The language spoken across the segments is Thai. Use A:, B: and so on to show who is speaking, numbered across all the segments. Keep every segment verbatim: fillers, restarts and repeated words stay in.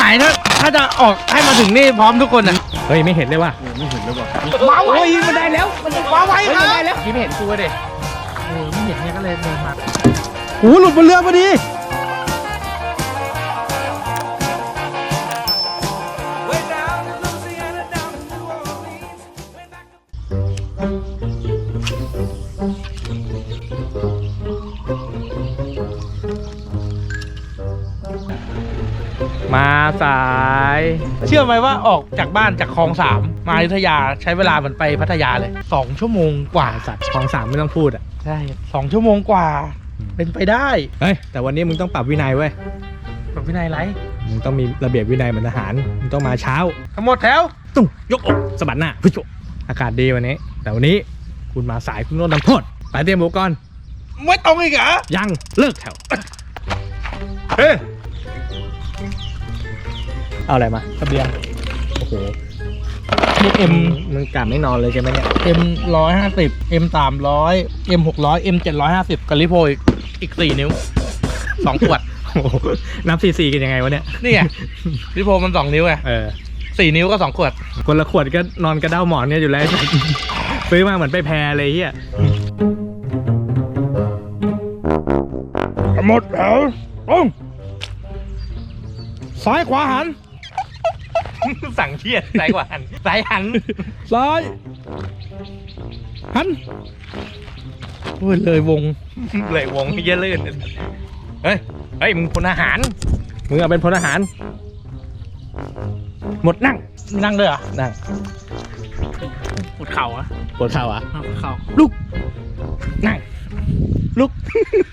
A: หมายถ้าถ้าจะออกให้มาถึงนี่พร้อมทุกคนนะเฮ้ยไม่เห็นเลยว่ะไม่เห็นเลยว่ะมาไวมันได้แล้วมันมาไวครับได้แล้วพี่ไม่เห็นกูเลยเออไม่เห็นเนี่ยก็เลยเดินมาโอ้หลุดบนเรือพอดีมาสายเชื่อไหมว่าออกจากบ้านจากคลองสามมาอยุธยาใช้เวลาเหมือนไปพัทยาเลยสองชั่วโมงกว่าสัตว์คลองสามไม่ต้องพูดอ่ะใช่สองชั่วโมงกว่าเป็นไปได้เฮ้ยแต่วันนี้มึงต้องปรับวินัยเว้ยปรับวินัยไรมึงต้องมีระเบียบวินัยเหมือนทหารมึงต้องมาเช้าทั้งหมดแถวตุ้งยกอกสะบัดหน้าพุชอากาศดีวันนี้แต่วันนี้คุณมาสายคุณโดนทำโทษไปเตรียมอุปกรณ์ไม่ตรงอีกเหรอยังเลิกแถวเฮ้ยเอาอะไรมาทะเบียนโอ้โหนี่เอ็มมึงกลับไม่นอนเลยใช่ไหมเนี่ยเอ็มร้อยห้าสิบเอ็มสามร้อยเอ็มหกร้อยเอ็มเจ็ดร้อยห้าสิบกับลิโพอีกอีกสี่นิ้วสองขวดนับสี่สี่กันยังไงวะเนี่ยนี่ไงลิโพมันสองนิ้วไงเออสี่นิ้วก็สองขวดคนละขวดก็นอนกระเด้าหมอนเนี่ยอยู่แล้วซื้อมาเหมือนไปแพรเลยเฮียหมดแล้วโอ้ซ้ายขวาหันสั่งเชียร์ซ้ายขวาหันซ้ายหันซ้ายหันโอ้ยเลยวงเลยวงเยอะลื่นเฮ้ยเฮ้ยมึงพลทหารมึงเอาเป็นพลทหารหมดนั่งนั่งเลยเหรอนั่งปวดเข่าอะปวดเข่าอะปวดเข่าลุกนั่งลุก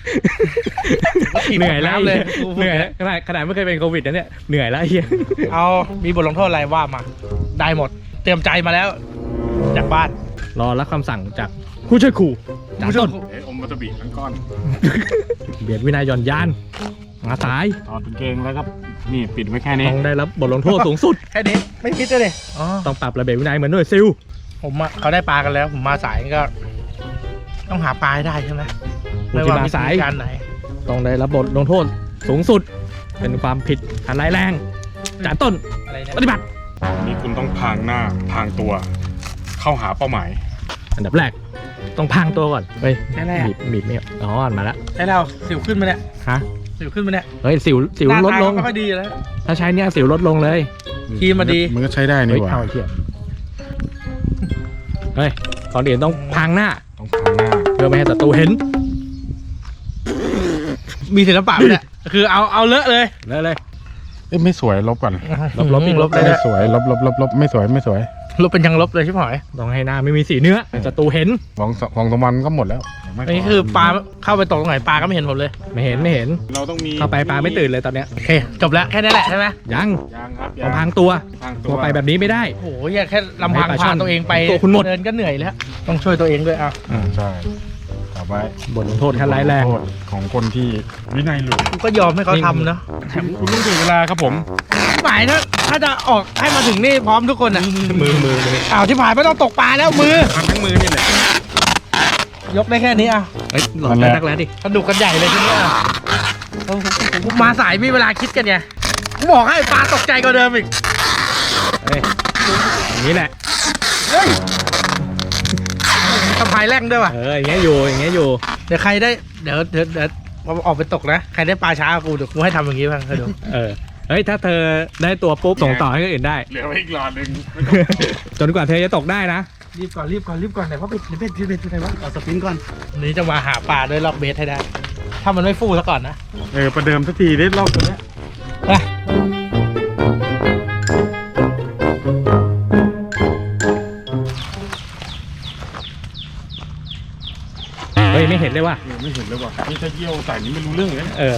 A: เหนื่อยแล้วเลยเหนื่อยขนาดขนาดไม่เคยเป็นโควิดนะเนี่ยเหนื่อยแล้วเฮียเอามีบทลงโทษอะไรว่ามาได้หมดเตรียมใจมาแล้วจากบ้านรอรับคำสั่งจากผู้ช่วยครูจากต้นเอ๋อมวัตบีทั้งก้อนเบียดวินัยย่อนยานมาสายถอดกางเกงแล้วก็นี่ปิดไว้แค่นี้ต้องได้รับบทลงโทษสูงสุดแค่นี้ไม่คิดเลยต้องปรับระเบียบวินัยเหมือนหน่วยซิลผมอะเขาได้ปลากันแล้วผมมาสายก็ต้องหาปลาให้ได้ใช่ไหมไม่ว่ามีสายไหนต้องได้รับบทลงโทษสูงสุดเป็นความผิดอันร้ายแรงจากต้นปฏิบัติ
B: นี่คุณต้องพางหน้าพางตัวเข้าหาเป้าหมาย
A: อันดับแรกต้องพางตัวก่อนเฮ้ยบีบบีบไม่อ๋อมาแล้วใช่แล้วสิวขึ้นมาเนี่ยฮะสิวขึ้นมาเนี่ยเฮ้ยสิวสิวลดลงก็ดีแล้วถ้าใช้เนี่ยสิวลดลงเลยทีมาดี
B: มันก็ใช้ได้นี่หว่า
A: เฮ้ยตอนเดี๋ยวต้องพางหน้า
B: ต้องพางหน้า
A: เพื่อไม่ให้ศัตรูเห็นมีศิลปะเนี่ยคือเอาเอาเลอะเลยเลอะเลย
B: เอ้ยไม่สวยลบก่อน
A: ลบลบลบ
B: ไม่สวยลบลบลบลบไม่สวยไม่สวย
A: ลบเป็นยังลบเลยใช่ไหมต้องให้หน้าไม่มีสีเนื้อศัตรูเห็น
B: ฟองฟองสมันก็หมดแล้ว
A: อันนี้คือปลาเข้าไปตกตรงไหนปลาก็ไม่เห็นผมเลยไม่เห็นไม่เห็น
B: เราต้องมี
A: เข้าไปปลาไม่ตื่นเลยตอนเนี้ยโอเคจบแล้วแค่นี้แหละใช่ไหมยัง
B: ยังครับ
A: ต้องพางตัวตัวไปแบบนี้ไม่ได้โอ้โหแค่ลำพังพาตัวเองไปตัวคุณหมดเดินก็เหนื่อยแล้วต้องช่วยตัวเองด้วยอ่ะ
B: ใช่ต่อไป
A: บทลงโทษขั้นร้ายแรง
B: ของคนที่วินัยหลุด
A: ก็ยอมให้เขาทำเนาะ
B: คุณต้องถึงเวลาครับผม
A: หมายถ้าถ้าจะออกให้มาถึงนี่พร้อมทุกคนนะมือมือเลยอ้าวที่ผ่านไม่ต้องตกปลาแล้วมือ
B: ทั้งมือนี่แหละ
A: ยกได้แค่นี้อ่ะ
B: เฮ้ยหลอนนักแล้วดิ
A: สนุกกันใหญ่เลยทีนี้อ่ะมาสายมีเวลาคิดกันไงบอกให้ปลาตกใจกว่าเดิมอีกเฮ้ยอย่างนี้แหละเฮ้ยสะพายแรงด้วยว่ะเอออย่างเงี้ยอยู่อย่างเงี้ยอยู่เดี๋ยวใครได้เดี๋ยวเดี๋ยวเดี๋ยวออกไปตกนะใครได้ปลาช้ากูเดี๋ยวกูให้ทำอย่างงี้บ้างเดี๋ยวเออเฮ้ยถ้าเธอได้ตัวปุ๊บส่งต่อให้คนอื่นได้
B: เหลืออีกหลอดหนึ่ง
A: จนกว่าเธอจะตกได้นะรีบก่อนรีบก่อนรีบก่อนไหนเพราะเบ็ดเบ็ดเบ็ดอะไรวะเอาสปินก่อนนี้จะมาหาปลาด้วยล็อกเบสให้ได้ถ้ามันไม่ฟูซะก่อนนะ
B: เออประเดิมสักทีได้รอบตัวเนี้ย
A: เฮ้ยไม่เห็นเลยว่ะ
B: ไม่เห็นเลยว่ะนี่ถ้าเยี่ยวใส่นี่ไม่รู้เรื่องเลย
A: เออ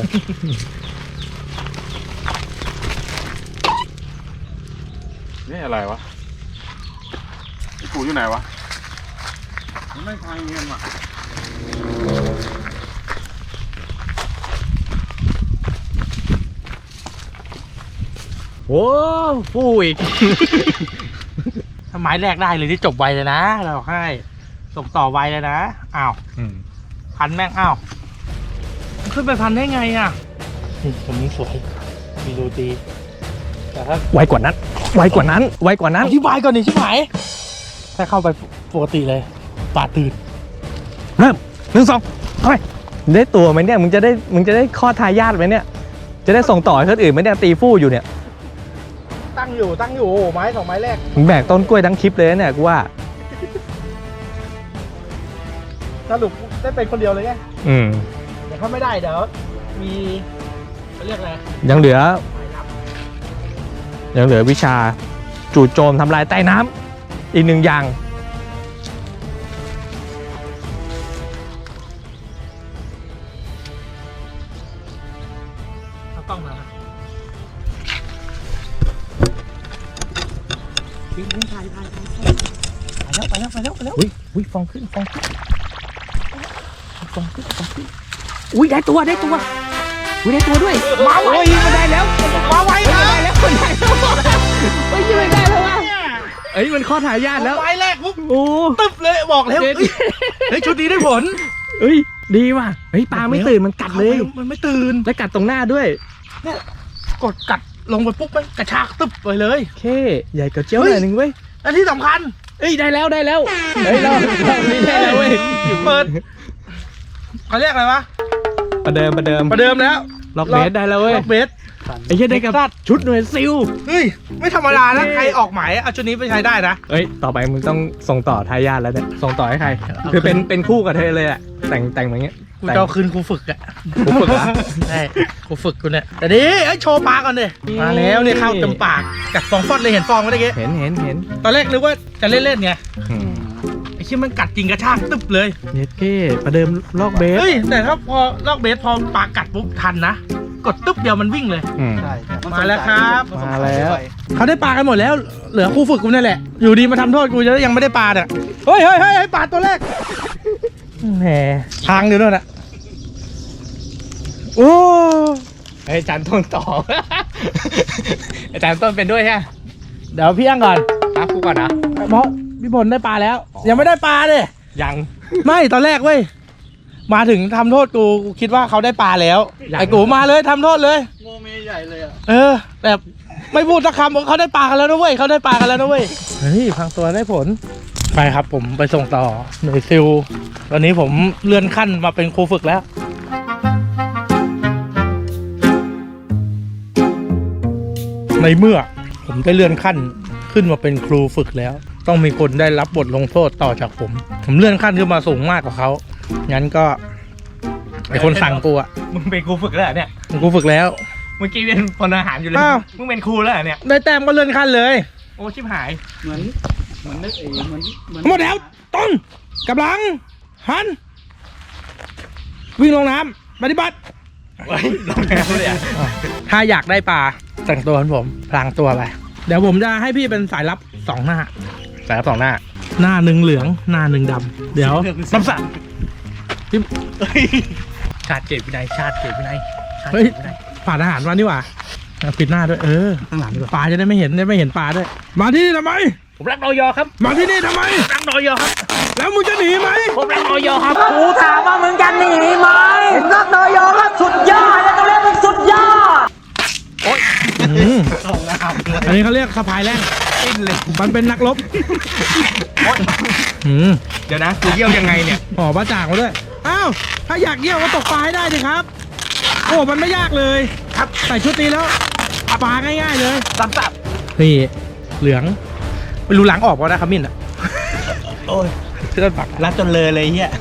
B: นี่อะไรวะไอ้กูอยู่ไหนวะมันไม่ทางเงี้ยว่ะ
A: โอ้ฟูอีกทำไมแรกได้เลยที่จบไวเลยนะเราให้ส่งต่อไวเลยนะอ้าวพันแม่งอ้าวขึ้นไปพันได้ไงอ่ะผมสวยมีดูตีแต่ถ้า
C: ไวกว่านั้น ไวกว่านั้น ไวกว่านั้น
A: อธิบายก่อนดิชิบหายถ้าเข้าไปปกติเลยปาดตื่น
C: เริ่มหนึ่งสองเอาไปได้ตัวไหมเนี่ย มึงจะได้ มึงจะได้คลอดทายาทไหมเนี่ย จะได้ส่งต่อให้คนอื่นไหมเนี่ย ตีฟู่อยู่เนี่ย
A: ตั้งอยู่ตั้งอยู่โอ้โหไม้สองไม้แรก
C: มึงแบกต้นกล้วยทั้งคลิปเลยนะเนี่ยกูว่า
A: สรุปได้เป็นคนเดียวเลยไง
C: อืม
A: เดี๋ยวถ้าไม่ได้เดี๋ยวมีเขาเรียกอะไร
C: ยังเหลือ ยังเหลือวิชาจู่โจมทำลายใต้น้ำอีกหนึ่งอย่าง
A: เอากล้องมาวิ่งวิ่งถ่ายถ่ายถ่ายไปแล้วไปแล้วไปแล้วไปแล้ว
C: อุ้ยอุ้ยฟองขึ้นฟองขึ้นฟองขึ้นฟองขึ้นอุ้ยได้ตัวได้ตัวอุ้ยได้ตัวด้วย
A: มาไวมันได้แล้วมาไว
C: เฮ้ย
A: นะ
C: ได้แล้วคนได้แล้วเฮ้ยยังไม่ได้แล้ววะเอ้ยมันข้อถ่ายญาติแล้ว
A: ไม้แรกปุ๊บ
C: โอ้
A: ตึบเลยบอกแล้ว
C: เด็ด
A: เฮ้ยเฮ้ยชุดนี้ได้ผล
C: เอ้ยดีว่ะเฮ้ยปลาไม่ตื่นมันกัดเลย
A: มันไม่ตื่น
C: และกัดตรงหน้าด้วย
A: กดกัดลงไปปุ๊บมันกระชากตึบไปเลย
C: โอเคใหญ่กว่าเจ้าหน่อยหนึงเว้ย
A: และที่สำคัญ
C: เอ้ยได้แล้วได้แล้วเฮ้ยเราเรานี่ได้แล้วเว้ย
A: เปิดเขาเรียกอะไรวะ
C: ประเดิมประเดิม
A: ประเดิมแล้ว
C: ล็อกเบสได้แล้วเว้ย
A: ล็อกเบส
C: ไอ้เหี้ยได้กับชุดหน่วยซิล
A: เฮ้ยไม่ธรรมดานะใครออกหมายเอาชุดนี้ไปใช้ได้นะ
C: เอ้ยต่อไปมึงต้องส่งต่อทายาทแล้วเนี่ยส่งต่อให้ใครคือเป็นเป็นคู่กับเธอเลยอะแต่งแต่งแบบเงี้ย
A: กูจะเอาคืนครูฝึกอะ
C: ครูฝึกเหรอ
A: ใช่ครูฝึกกูเนี่ยแต่นี้ไอ้ยโชว์ปลาก่อนดิมาแล้วนี่เข้าเต็มปากกัดฟองฟอดเลยเห็นฟองไหมเมื่อกี้
C: เห็นเห็นเห็น
A: ตอนแรกนึกว่าจะเล่นๆไง
C: อืม
A: ไอ้ชิ้นมันกัดจริงกระชากตึบเลย
C: เย็ดเก้ประเดิมลอกเบส
A: เฮ้ยแต่ถ้าพอลอกเบสพอปลากัดปุ๊บทันนะกดตึ๊บเดียวมันวิ่งเลย
C: อืม
A: มาแล้วครับ
C: มาแล้ว
A: เขาได้ปลากันหมดแล้ว เหลือครูฝึกกูนี่แหละ อยู่ดีมาทำโทษกูจะยังไม่ได้ปลาเนี่ยเฮ้ยเฮ้ยเฮ้ยปลาตัวแรก
C: แหม
A: ทางเดียวนั่นแหละโอ้
C: ไอ้ยอาจารย์ต้นต่อ อาจารย์ต้นเป็นด้วยใช่ไหม
A: เดี๋ยวพี่อังก่อน
C: ครับกูก่อนนะ
A: เพราะพี่พลได้ปลาแล้ว ยังไม่ได้ปลาเลย
C: ยัง
A: ไม่ตอนแรกเว้ยมาถึงทำโทษกูกูคิดว่าเขาได้ปลาแล้วไอ้กูมาเลยทำโทษเลยโมเมใหญ่เลยอ่ะเออแต่ไม่พูดสักคำบอกเขาได้ปลากันแล้วนะเว้ยเขาได้ปลากันแล้วนะเว้ยเฮ้ยพังตัวได้ผลไปครับผมไปส่งต่อหน่วยซิลตอนนี้ผมเลื่อนขั้นมาเป็นครูฝึกแล้ว ในเมื่อผมได้เลื่อนขั้นขึ้นมาเป็นครูฝึกแล้ว ต้องมีคนได้รับบทลงโทษต่อจากผม ผมเลื่อนขั้นขึ้นมาสูงมากกว่าเขางั้นก็ไอคนสั่งกูอะ
C: มึงเป็นครูฝึกแล้วเหรอเนี่ย
A: เป็นครูฝึกแล้ว
C: เมื่อกี้เป็นพลทหารอยู่เลย
A: อ้าว
C: มึงเป็นครูแล้วเหรอเนี่ย
A: ได้แต้มก็เลื่อนขั้นเลย
C: โอ้ชิบหาย
D: เหมือนเหมือนนึกเองเหมือนเหมือน
A: หมดแล้วต้นกำลังหันวิ่งลงน้ำปฏิบัติ
C: เฮ้ยลงแล้วเลยอ่ะ
A: ถ้าอยากได้ปลาแต่งตัวเหมือนผมพลางตัวไปเดี๋ยวผมจะให้พี่เป็นสายลับสองหน้า
C: สายรับสองหน้า
A: หน้าหนึ่งเหลืองหน้าหนึ่งดำเดี๋ยวน้ำสัตว์
C: ชาติเกตวินัยชาติเกตวินัยชาติ
A: เฮ้ย
C: เกตวินัย
A: ผ่านอาหารมานี่หว่าเอาปิดหน้าด้วยเออ
D: ข้างหลังดีกว่า
A: ปลาจะได้ไม่เห็นได้ไม่เห็นปลาด้วย มาที่นี่ทำไม
C: ผมรักนอยอครับ
A: มาที่นี่ทำไม
C: รักนอยอครับ
A: แล้วมึงจะหนีไหม
C: ผมรักนอยอครับ
E: กูถามว่ามึงจะหนีไหมนักนอยอก็สุดยอดแล้วก็เรียกมึงสุดยอด
A: อืมอันนี้เขาเรียกสะพายแรง
C: ปิ้นเลย
A: มันเป็นนักรบอืม
C: เดี๋ยวนะกูเยี่ยวยังไงเนี่ย
A: ห่อปลาจ่างมาด้วยอ้าวถ้าอยากเยี่ยวก็ตกปลาให้ได้ดิครับ โอ้มันไม่ยากเลยครับใส่ชุดนี้แล้วปลาง่ายๆเลย
C: สับสับ
A: นี่เหลืองไม่รู้หลังออกป่ะนะขมิ้นอ่ะ
C: โอ้ย
A: เชื่อปัก
C: รัดจนเลยเลยเฮีย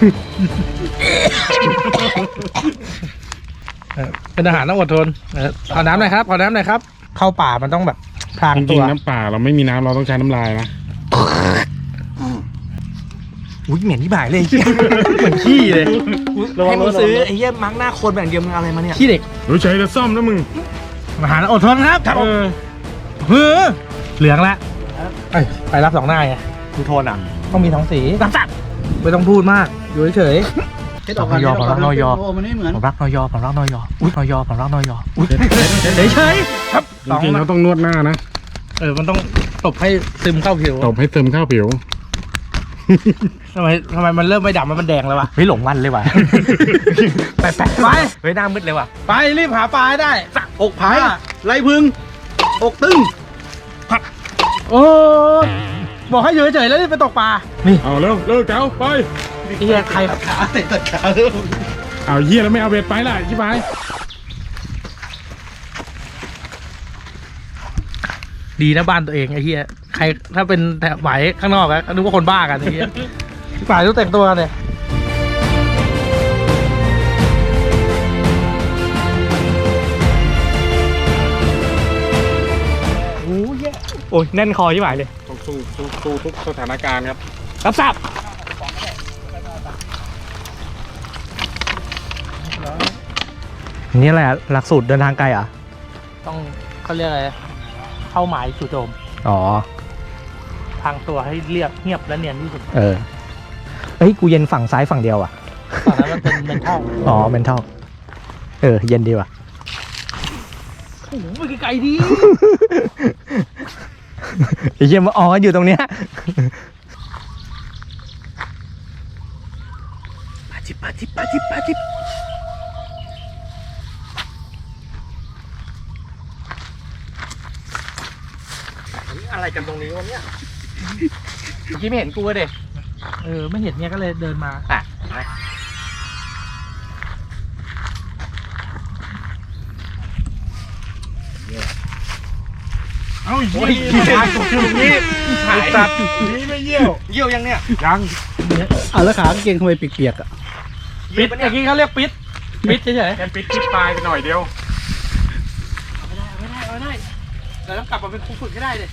A: เออเป็นอาหารต้องอดทนเออขอน้ำหน่อยครับขอน้ำหน่อยครับ เข้าป่ามันต้องแบบพราง
B: จ
A: ตั
B: ริง
A: ว
B: ๆน้ำเปล่าเราไม่มีน้ำเราต้องใช้น้ำลายนะ
C: อุ้ยเหม็นที่บ่ายเลยเฮีย
A: เหมือนขี้เลย
C: ให้มึงซื้อไอ้เฮียมังหน้าโคนแบบเดียวมึงเอาอะไรมาเนี่ย
A: ขี้เด็ก
B: รู้ใช้จะซ่อมนะมึง
A: อาหารอดทนครับครับ
B: เออ
A: เฮ้อเหลืองละเอ้ยไปรับสองหน้าไง
C: กูโทนอ่ะ
A: ต้องมีท้องสี
C: สับสับ
A: ไม่ต้องพูดมากอยู่เฉย
D: เช็ดออกก่อน
C: นอยอ
D: เช็ดกก่
C: นอยอ
D: โอ้มันไม่เหมือน
C: ผมรักนอยอผมรักนอยออุ้ยนอยอผมรักนอยออุ้ย
A: ๆเฉยๆครับ
B: จริงๆเขาต้องนวดหน้านะ
A: เออมันต้องตบให้ซึมเข้าผิว
B: ตบให้เติมข้าวผิว
A: ทำไมทำไมมันเริ่มไม่ดำมันแดงแล้ววะ
C: เฮ้ยหลงวันเลยว่ะ
A: ไปไปไป
C: เฮ้ยหน้ามืดเลยว่ะ
A: ไปรีบหาปลาให้ได้
C: อก
A: ผ้า
C: ไผ่ไรพึ่ง
D: อกตึง
A: โอ้บอกให้อยู่เฉยๆแล้วนี่ไปตกปลา
B: เอาเร็วเร็วเจ้าไป
A: เฮียใคร
D: ขาเตะตัดขาเริ่ม
B: เอาเหี้ยแล้วไม่เอาเบ็ดไปล่ะชิบหาย
A: ดีนะบ้านตัวเองไอ้เฮียใครถ้าเป็นแถบไหวข้างนอกอะนึกว่าคนบ้ากันไอ้เฮียพี่ป่ายต้องแต่งตัวเนี่ย
C: โอ้ยโอ้ยแน่นคอที่หมายเลย
B: ต้องสู้สู้สู้ทุกสถานการณ์ครับ
C: รับทราบนี่แหละหลักสูตรเดินทางไกลเหรอ่ะ
A: ต้องเขาเรียกอะไรเข้าหมายจู่โจม
C: อ๋อ
A: ทางตัวให้เรียบเงียบและเนียนที่สุด
C: เออเฮ้ยกูเย็นฝั่งซ้ายฝั่งเดียวอ่ะ
A: ตอนนั้นมันเป็นเมนทัล
C: อ๋อเมนทัลเออเย็นดีว่ะ
A: โอ้โหไปไกลๆดี
C: ไอ้เหี้ยมาอ๋ออยู่ตรงเนี้ย
A: ปาจิบปาจิบปาจิบปาจิบ
C: อะไรกันตรงนี้วะเนี่ยเมื่อกี้ไม่เห็นกูเลย
A: เออไม่เห็นเนี้ยก็เลยเดินมา
C: อ่ะ
B: เอาเหี้ยนี่ตกอยู่ตรงนี้ไอ้สัตว์นี่ไม่เยี่ยว
C: เยี่ยวยังเนี่ย
B: ยัง
D: อ่ะแล้วขากางเกงทำไมเปียกๆอ่ะ
A: ปิดเมื่อกี้เขาเรียกปิดปิดเฉย
B: แค่ปิดคลิปปลายไปหน่อยเดียว
A: ๆเอาไม่ได้เอาไม่ได้เอาไม่ได้เราต้องกลับมาเป็นครูฝึกให้ได้เลย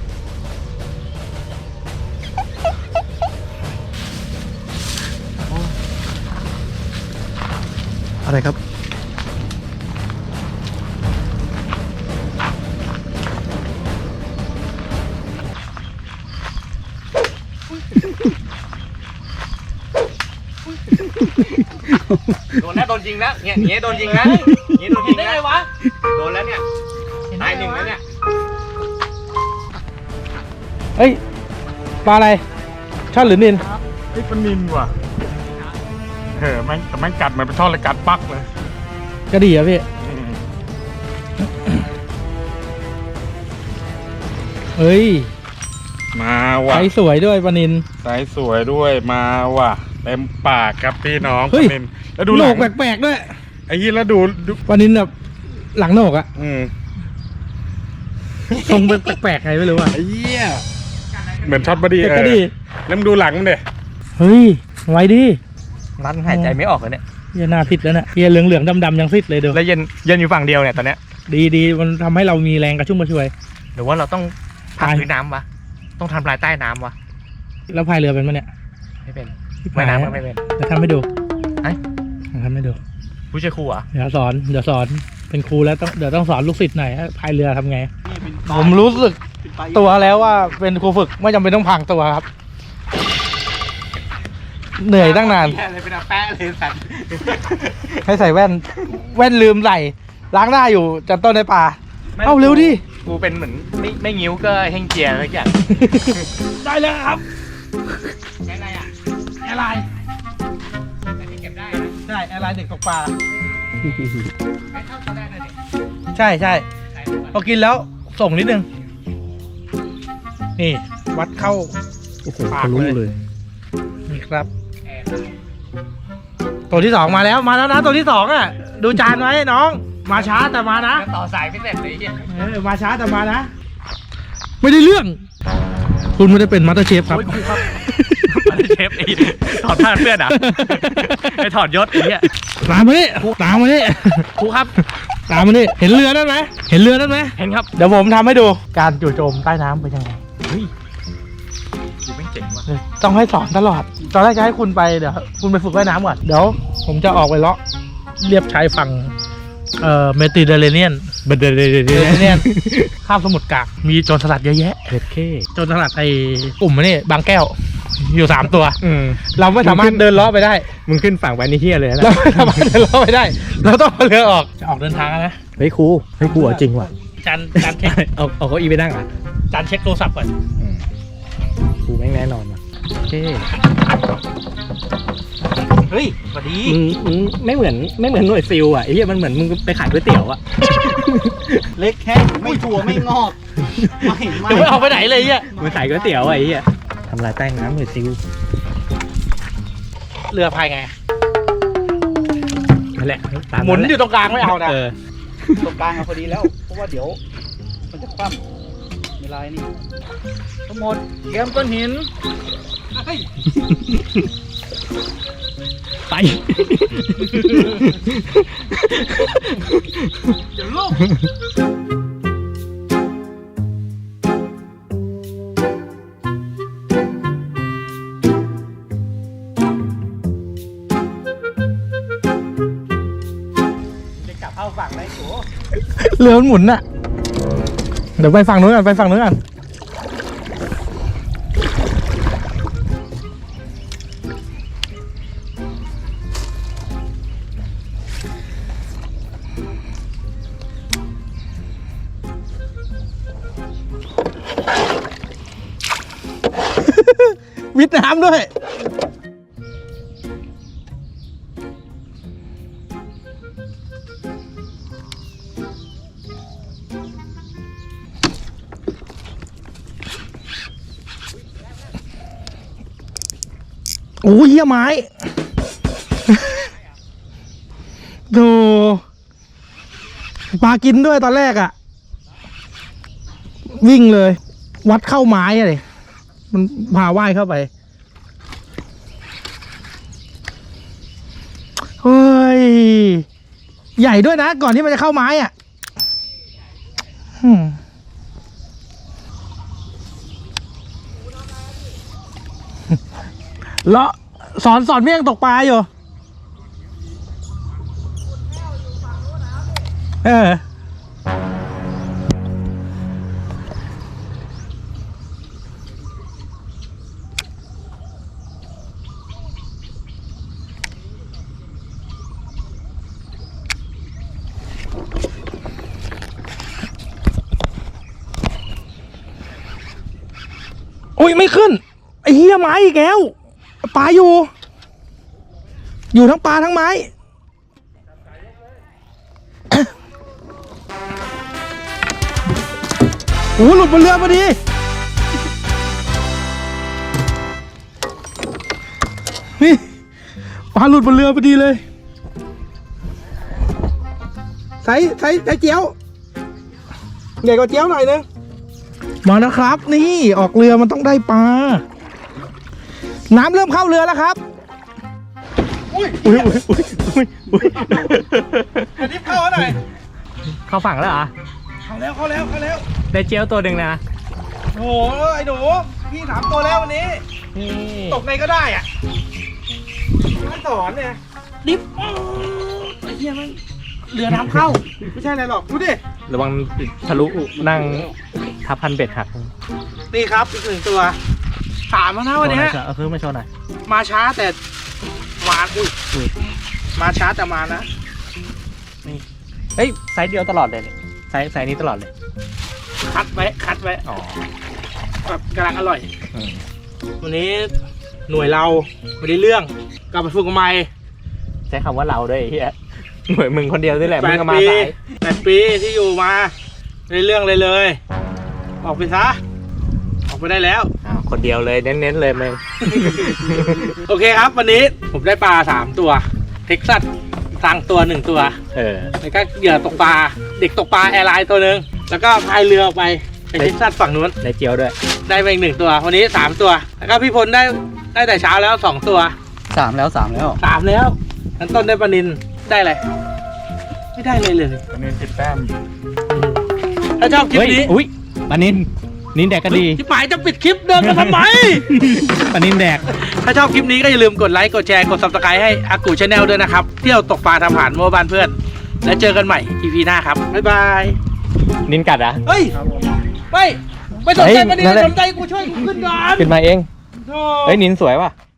C: อะไรครับ
E: โดนแล้วโดนจริงแล้วเนี่ยอย่างเงี้ยโดนจริงนะอย่างเงี้ยโดนจริง
A: ได้
E: นะ
A: ไงวะ
E: โดนแล้วเนี่ยตายหนึ่งแล้วเนี่ย
A: เฮ้ยปลาอะไรช่อนหรือนิน
B: ไอ้ปลานินว่ะเออแม่งแต่แม่งกัดเหมือนเป็นท่อนเลยกัดปักเลย
A: ก็ดีอะพี่
B: อืม
A: เฮ้ย
B: มาว่ะ
A: ไซส์สวยด้วยปลานิน
B: ไซส์สวยด้วยมาว่ะเต็มปากครับพี่น้อง
A: เฮ้ย
B: ปลานินแล้วดู
A: โห
B: ห
A: น
B: ลั
A: ก
B: ง
A: แปลกๆด้วย
B: ไอ้ยี่แล้วดูดู
A: ปลานินแบบหลังโหนกอะ
B: อืม
A: ทรงเป็นแปลกๆไงไม่รู้อะ
B: ไอ้เหี้ยเหมือนช็อตบอดี้
A: แต่
B: เอ
A: ก็
B: อ
A: ดี
B: แล้วมึงดูหลังมันเด้
A: เฮ้ยไว้ดิ
C: มันหายใจไม่ออกเลยเนี่ย
A: เฮียหน้าซิดแล้วเนี่ยเฮียเหลืองๆดำๆยังซิดเลยดู
C: แล้วเย็นเย็นอยู่ฝั่งเดียวเนี่ยตอนเนี้ย
A: ดีดีๆมันทำให้เรามีแรงกระชุ่มกระชวย
C: หรือว่าเราต้องพัก
A: ตาย
C: พื้นน้ำวะ ต้องทำลายใต้น้ำวะ
A: แล้วพายเรือเป็นมั้ยเนี่ย
C: ไม่เป็น
A: ที่
C: ว่าย
A: พาย
C: น้ำก็ไม่เป็น
A: จะทำให้ดู
C: ไอ้
A: ทำให้ดู
C: ผู้ช่วยครูเหรอ่ะ
A: เดี๋ยวสอนเดี๋ยวสอนเป็นครูแล้วต้องเดี๋ยวต้องสอนลูกศิษย์หน่อยพายเรือทำไง ผมรู้สึกตัวแล้วว่าเป็นครูฝึกไม่จำเป็นต้องพรางตัวครับ เหนื่อยตั้งนาน
E: อะไรเป็นอาแปะเลยสัตว์
A: ให้ใส่แว่น แว่นลืมใส่ล้างหน้าอยู่จัดต้นในป่า เอาเร็วดิ
C: กูเป็นเหมือนไม่ไม่งิ้วก็เฮงเจียอะไรอย่าง
A: ได้แล้วครับ
E: แค่ไรอ่ะ
A: แอร์ไลน์
E: แต่ที่เก็บได้นะ
A: ใช่แอร์ไลน์เด็กตกปลา
E: ไม่เท่าตอนแรกเลยเด็ก
A: ใช่ใช่
E: ขายทุกวัน
A: พอกินแล้วส่งนิดนึง นี่ วัดเข้า
D: โอ้โห
A: ปาก
D: ทะลุ
A: เลย
D: เลย
A: นี่ครับ
E: แอร์
A: ตัวที่สองมาแล้วมาแล้วนะตัวที่สองอ่ะ ดูจานไว้น้อง มาช้าแต่มานะ
E: ต่อสายไม่เสร็จเลยไอ้เหี้ย
A: เออมาช้าแต่มานะ ไม่ได้เรื่อง คุณไม่ได้เป็นมาสเตอร์เชฟครับ
C: มันเชฟไอ้ถอดผ้าเพื่อนอ่ะ ไอ้ถอดยศไอ้เนี่ย
A: ตามมาดิตามมาดิ
C: ครูครับ
A: ตามมาดิเห็นเรือนั่นไหมเห็นเรือนั่นไหม
C: เห็นครับ
A: เดี๋ยวผมทำให้ดูการจู่โจมใต้น้ำเป็นยังไง
C: เฮ้ยดูแม่งเจ๋งว่ะ
A: เออต้องให้สอนตลอดตอนแรกจะให้คุณไปเดี๋ยวคุณไปฝึกว่ายน้ำก่อนเดี๋ยวผมจะออกไปเลาะเรียบชายฝั่งเอ่อเมดิเตอร์เรเนียน
C: เบเดเดเด
A: เมดิเตอร์เรเนียนข้ามสมุทรกลางมีโจรสลัดเยอะแยะ
C: เผ็ดเข้
A: โจรสลัดไอ้กลุ่มนี่บางแก้ว อยู่สามตัว
C: อืม
A: เราไม่สามารถเดินเลาะไปได้
C: มึงขึ้นฝั่งไปนี่เฮียเลยนะ
A: เราไม่สามารถเดินเลาะไปได้ เราต้องเอาเรือออกจะออกเดินทางแล้วนะ
C: เฮ้ยครูเฮ้ยครูเอาจริงว่ะ
A: จานจานเช็ค
C: เอาเอาเก้าอี้ไปนั่งอ่ะ
A: จานเช็คโทรศัพท์ก่อน
C: ครูแม่งแน่นอนว่ะโอเค
A: เฮ้ยสวัสดี
C: มึงมึงไม่เหมือนไม่เหมือนหน่วยซิลอ่ะไอ้เหี้ยมันเหมือนมึงไปขายก๋วยเตี๋ยวอ่ะ
D: เล็กแค่ไม่ถั่วไม่งอกไม่ไม่
A: เดี๋ยวไม่ออกไปไหนเลยเนี่ย
C: มันใส่ก๋วยเตี๋ยวไอ้เหี้ยทำลายแป้งน้ำหรือซิว
A: เรือพายไง
C: นั่นแหละตาม
A: หมุน
C: แหละ
A: อยู่ตรงกลางไม่เอานะ
C: เออ
D: ตรงกลางเอาพอดีแล้ว เพราะว่าเดี๋ยว มันจะคว่ำเวลานี่ทั้งหมดเตรียมก้อนหิน
C: ไป
A: เดี๋ยวลูก
C: เรือมันหมุนน่ะ เดี๋ยวไปฝั่งนู้นกันไปฝั่งนู้นกันวิดน้ำด้วย โอ้ยเหี้ยไม้ โธ่ปลากินด้วยตอนแรกอะ่ะ วิ่งเลย วัดเข้าไม้อะเลยมันพาว่ายเข้าไป เฮ้ย ใหญ่ด้วยนะ ก่อนที่มันจะเข้าไม้อะ่ะอืมเลาะสอนสอนเมี่ยงตกปลาอยู่ เออ โอ้ยไม่ขึ้น ไอ้เหี้ยไม้อีกแล้ว ปลาอยู่ อยู่ทั้งปลาทั้งไม้ โอ้หลุดบนเรือพอดี นี่ปลาหลุดบนเรือพอดีเลยใส่ใส่ใส่เจียวใหญ่กว่าเจียวหน่อยนึงมาแล้วครับ นี่ออกเรือมันต้องได้ปลา น้ำเริ่มเข้าเรือแล้วครับ อุ้ยอุ้ยอุ้ยอุ้ยอุ้ย
A: อันนี้เข้าหน่อย
C: เข้าฝั่งแล้วเหรอ
A: เข้าแล้วเข้าแล้วเข้าแล้ว
C: ได้เจียวตัวหนึ่งนะ
A: โอ้โหไอ้หนูพี่ถามตัวแล้ววันนี้
C: นี่
A: ตกไงก็ได้อ่ะมันสอนเนี่ยดิฟไอ้เหี้ยมันเรือน้ำเข้า ไม่ใช่อะไรหรอกดูดิ
C: ระวังทะลุนั่งทับพันเบ็ดหัก
A: นี่ครับอีกหนึ่งตัวถามมานะวันนี้
C: เอาคือมาโชว์หน่อย
A: มาช้าแต่มาอุ้ย
C: อุ้ย
A: มาช้าแต่มานะ
C: เฮ้ยไซส์เดียวตลอดเลยเนี่ยไซส์ไซส์นี้ตลอดเลย
A: คัดไว้คัดไว้
C: อ๋อ
A: แบบกำลังอร่อย
C: อืม
A: วันนี้หน่วยเราไม่ได้เรื่องกลับไปฝึกใหม่
C: ใช้คำว่าเราด้วยไอ้เฮียหน่วยมึงคนเดียวนี่แหละ
A: แป
C: มึง
A: ด
C: ก็มา
A: ปี
C: สาย
A: แปดปีที่อยู่มาไม่ได้เรื่องเลยเลย ออกไปซะออกไปได้แล้ว
C: อ้าวคนเดียวเลยเน้นๆเลยมึง
A: โอเคครับ วันนี้ผมได้ปลาสามตัวเท็กซัสสั่งตัวหนึ่งตัว
C: เออ
A: แล้วก็เหยื่อตกปลาเด็กตกปลาแอร์ไลน์ตัวหนึ่งแล้วก็พายเรือออกไปไปเท็กซัสฝั่งนู้น
C: ได้เจียวด้วย
A: ได้ไปอีกหนึ่งตัว วันนี้สามตัว แล้วก็พี่พลได้ได้แต่เช้าแล้วสองตัว
D: สามแล้วสามแล้ว
A: สามแล้วอันต้นได้ปลานินได้อะไรไม่ได้เลยเลย
B: อันนี้สิบแต้ม
A: ถ้าชอบคลิป
C: เฮ้ย
A: นี้
C: อุ้ยปลานินนินแดกก็ดี
A: ที่หมายจะปิดคลิปเดินมาทำไม
C: ปลานินแดก
A: ถ้าชอบคลิปนี้ก็อย่าลืมกดไลค์กดแชร์กด ซับสไครบ์ ให้อากูชาแนลด้วยนะครับเที่ยวตกปลาทำอาหารมั่วบ้านเพื่อน แล้วเจอกันใหม่ อี พี หน้าครับบ๊ายบาย
C: นินกัดอ่ะ
A: เฮ้ยไม่ไม่สนใจ
C: เฮ้ย
A: ปลานิน
C: นั่นแหละ
A: สนใจกูช่วยกูขึ้นก่อน
C: ขึ้นมาเอง
A: โธ่
C: เฮ้ยนินสวยว่ะ